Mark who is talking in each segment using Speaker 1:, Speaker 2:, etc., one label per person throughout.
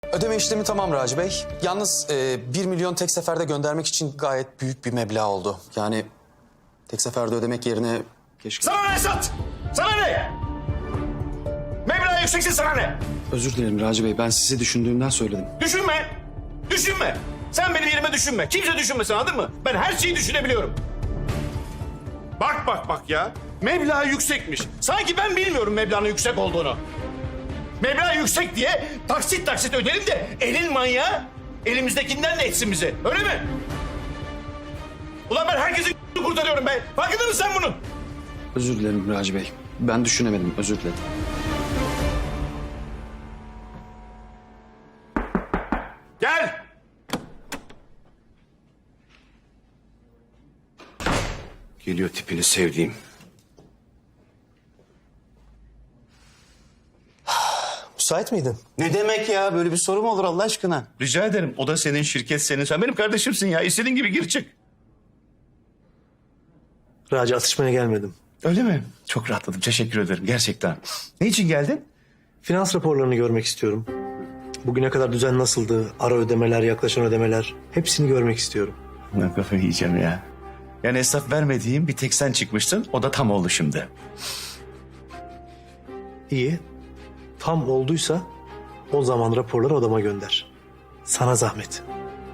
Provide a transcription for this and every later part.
Speaker 1: Ödeme işlemi tamam Raci Bey. Yalnız 1 milyon tek seferde göndermek için gayet büyük bir meblağ oldu. Yani tek seferde ödemek yerine keşke...
Speaker 2: Sana ne Esat? Sana ne? Meblağ yükseksin, sana ne?
Speaker 1: Özür dilerim Raci Bey. Ben sizi düşündüğümden söyledim.
Speaker 2: Düşünme. Düşünme. Sen benim yerime düşünme. Kimse düşünmesin, anladın mı? Ben her şeyi düşünebiliyorum. Bak ya. Meblağ yüksekmiş. Sanki ben bilmiyorum meblağın yüksek olduğunu. Meblağ yüksek diye taksit öderim de elin manyağı elimizdekinden de etsin bizi. Öyle mi? Ulan ben herkesin kurtarıyorum be. Farkında mısın sen bunun?
Speaker 1: Özür dilerim Raci Bey. Ben düşünemedim. Özür dilerim.
Speaker 2: Gel.
Speaker 3: Geliyor tipini sevdiğim.
Speaker 4: Müsait miydin?
Speaker 3: Ne demek ya? Böyle bir soru mu olur Allah aşkına?
Speaker 2: Rica ederim. O da senin, şirket senin. Sen benim kardeşimsin ya. İstediğin gibi gir çık.
Speaker 4: Raci, atışmaya gelmedim.
Speaker 2: Öyle mi? Çok rahatladım. Teşekkür ederim. Gerçekten. Ne için geldin?
Speaker 4: Finans raporlarını görmek istiyorum. Bugüne kadar düzen nasıldı? Ara ödemeler, yaklaşan ödemeler. Hepsini görmek istiyorum.
Speaker 2: Ben kafayı yiyeceğim ya. Yani hesap vermediğim bir tek sen çıkmıştın. O da tam oldu şimdi.
Speaker 4: İyi. Tam olduysa o zaman raporları odama gönder. Sana zahmet.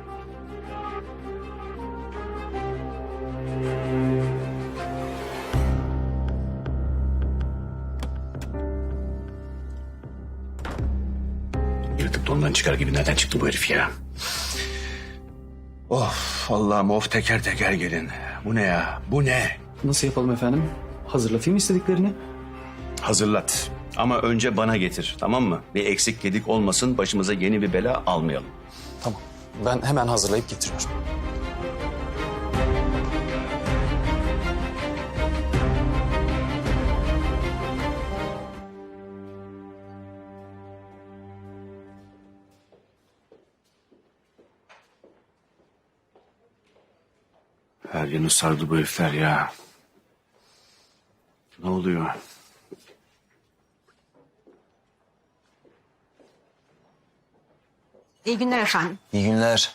Speaker 3: Yırtık dondan çıkar gibi nereden çıktı bu herif ya? Of Allah'ım of teker teker gelin. Bu ne ya? Bu ne?
Speaker 1: Nasıl yapalım efendim? Hazırlatayım istediklerini.
Speaker 3: Hazırlat. Ama önce bana getir, tamam mı? Bir eksik gedik olmasın, başımıza yeni bir bela almayalım.
Speaker 1: Tamam. Ben hemen hazırlayıp getiriyorum.
Speaker 3: Her yanı sardı bu herifler ya. Ne oluyor?
Speaker 5: İyi günler efendim.
Speaker 6: İyi günler.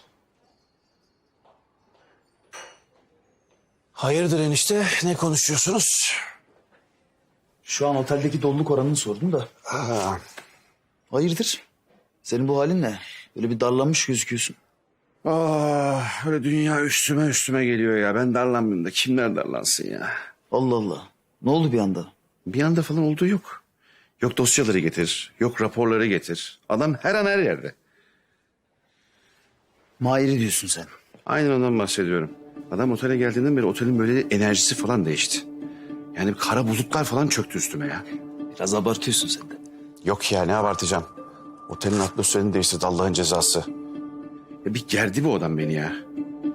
Speaker 6: Hayırdır enişte? Ne konuşuyorsunuz?
Speaker 7: Şu an oteldeki doluluk oranını sordum da.
Speaker 6: Ha,
Speaker 7: Hayırdır? Senin bu halin ne? Böyle bir darlanmış gözüküyorsun.
Speaker 3: Öyle dünya üstüme geliyor ya. Ben darlanmıyorum da kimler darlansın ya?
Speaker 7: Allah Allah. Ne oldu bir anda?
Speaker 3: Bir anda falan olduğu yok. Yok dosyaları getir, yok raporları getir. Adam her an her yerde.
Speaker 7: Mahir'i diyorsun sen.
Speaker 3: Aynen ondan bahsediyorum. Adam otele geldiğinden beri otelin böyle enerjisi falan değişti. Yani kara bulutlar falan çöktü üstüme ya.
Speaker 7: Biraz abartıyorsun sen de.
Speaker 3: Yok ya ne abartacağım. Otelin atmosferini değiştirdi Allah'ın cezası. Ya bir gerdi bu adam beni ya.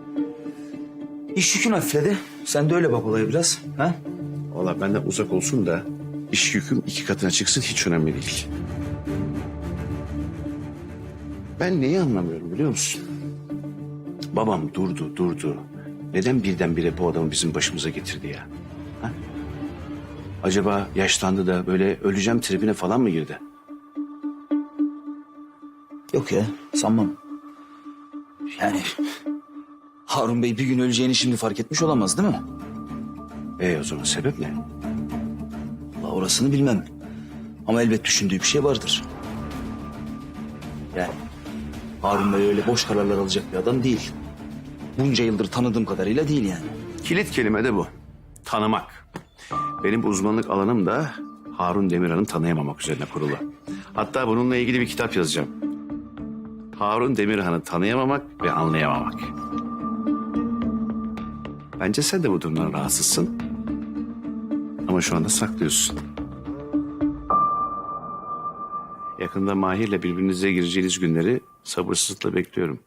Speaker 7: İş yükün hafifledi. Sen de öyle bak olaya biraz. Ha?
Speaker 3: Vallahi benden uzak olsun da iş yüküm 2 katına çıksın hiç önemli değil. Ben neyi anlamıyorum biliyor musun? Babam durdu. Neden birdenbire bu adamı bizim başımıza getirdi ya? Ha? Acaba yaşlandı da böyle öleceğim tribine falan mı girdi?
Speaker 7: Yok ya, sanmam. Yani Harun Bey bir gün öleceğini şimdi fark etmiş olamaz değil mi?
Speaker 3: O zaman sebep ne?
Speaker 7: Allah orasını bilmem. Ama elbet düşündüğü bir şey vardır. Yani Harun Bey öyle boş kararlar alacak bir adam değil. Bunca yıldır tanıdığım kadarıyla değil yani.
Speaker 3: Kilit kelime de bu. Tanımak. Benim uzmanlık alanım da Harun Demirhan'ı tanıyamamak üzerine kurulu. Hatta bununla ilgili bir kitap yazacağım. Harun Demirhan'ı tanıyamamak ve anlayamamak. Bence sen de bu durumdan rahatsızsın. Ama şu anda saklıyorsun. Yakında Mahir'le birbirinize gireceğiniz günleri sabırsızlıkla bekliyorum.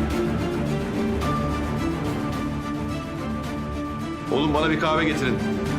Speaker 3: Oğlum bana bir kahve getirin.